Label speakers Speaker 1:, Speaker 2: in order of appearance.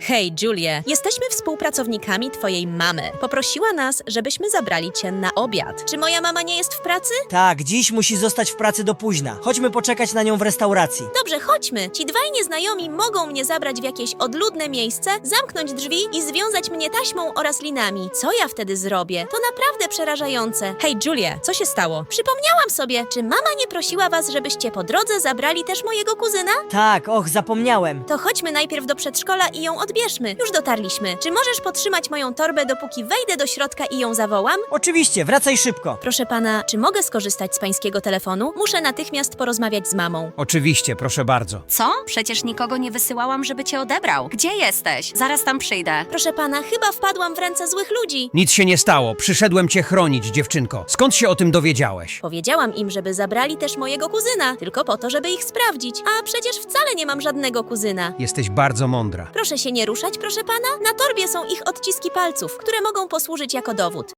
Speaker 1: Hej, Julie, jesteśmy współpracownikami twojej mamy. Poprosiła nas, żebyśmy zabrali cię na obiad. Czy moja mama nie jest w pracy?
Speaker 2: Tak, dziś musi zostać w pracy do późna. Chodźmy poczekać na nią w restauracji.
Speaker 1: Dobrze, chodźmy. Ci dwaj nieznajomi mogą mnie zabrać w jakieś odludne miejsce, zamknąć drzwi i związać mnie taśmą oraz linami. Co ja wtedy zrobię? To naprawdę przerażające. Hej, Julie, co się stało? Przypomniałam sobie, czy mama nie prosiła was, żebyście po drodze zabrali też mojego kuzyna?
Speaker 2: Tak, och, zapomniałem.
Speaker 1: To chodźmy najpierw do przedszkola i ją odbierzmy. Już dotarliśmy. Czy możesz podtrzymać moją torbę, dopóki wejdę do środka i ją zawołam?
Speaker 2: Oczywiście, wracaj szybko.
Speaker 1: Proszę pana, czy mogę skorzystać z pańskiego telefonu? Muszę natychmiast porozmawiać z mamą.
Speaker 3: Oczywiście, proszę bardzo.
Speaker 4: Co? Przecież nikogo nie wysyłałam, żeby cię odebrał. Gdzie jesteś? Zaraz tam przyjdę.
Speaker 1: Proszę pana, chyba wpadłam w ręce złych ludzi.
Speaker 3: Nic się nie stało. Przyszedłem cię chronić, dziewczynko. Skąd się o tym dowiedziałeś?
Speaker 1: Powiedziałam im, żeby zabrali też mojego kuzyna, tylko po to, żeby ich sprawdzić. A przecież wcale nie mam żadnego kuzyna.
Speaker 3: Jesteś bardzo mądra.
Speaker 1: Proszę się nie ruszać, proszę pana. Na torbie są ich odciski palców, które mogą posłużyć jako dowód.